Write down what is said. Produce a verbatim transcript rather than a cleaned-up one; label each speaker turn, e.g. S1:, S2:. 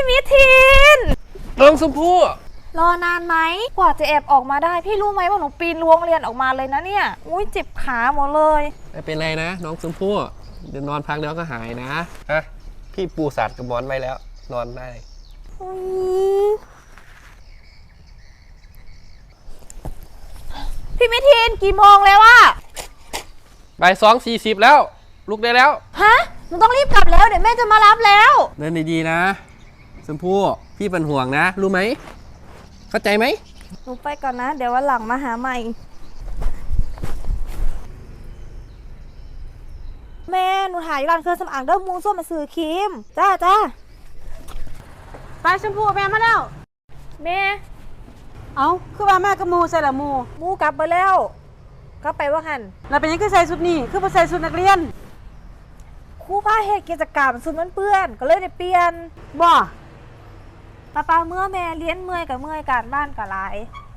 S1: มิทิน
S2: น้องชมพู่
S1: รอนานไหมกว่าจะแอบออกมาได้พี่รู้ไหมว่าหนูปีนรั้วเรียนออกมาเลยนะเนี่ยอุ้ยเจ็บขาหมดเลย
S2: ไม่เป็นไรนะน้องชมพู่เดี๋ยวนอนพักเดี๋ยวก็หายนะฮะพี่ปูสัตว์กับหมอนไว้แล้วนอนได้
S1: พี่มิทินกี่โมงแล้วอะ
S2: บ่ายสองสี่สิบแล้วลุกได้แล้ว
S1: ฮะหนูต้องรีบกลับแล้วเดี๋ยวแม่จะมารับแล้ว
S2: เดินดีๆนะชมพู่พี่เป็นห่วงนะรู้ไหมเข้าใจไหม
S1: หนูไปก่อนนะเดี๋ยววันหลังมาหาใหม่แม่หนูถ่ายร้านเครื่องสำอางเด้อมูส้มมาซื้อครีมจ้าจ้า
S3: ไปชมพู่แม่มาแล้ว
S1: แม่
S3: เอาคือว่าแม่กับมูใส่ละมู
S1: มูกลับไปแล้วกลับไปว่าหัน
S3: แล้วเป็นยังคือใส่ชุดนี้คือบ่ใส่ชุดนักเรียน
S1: ครูพาเหตุกิจกรรมสุดมันเปื้อนก็เลยได้เปลี่ยน
S3: บ่
S1: ป้าป้าเมื่อแม่เลี้ยนเมื่อยกับเมื่อยการบ้านกับหลาย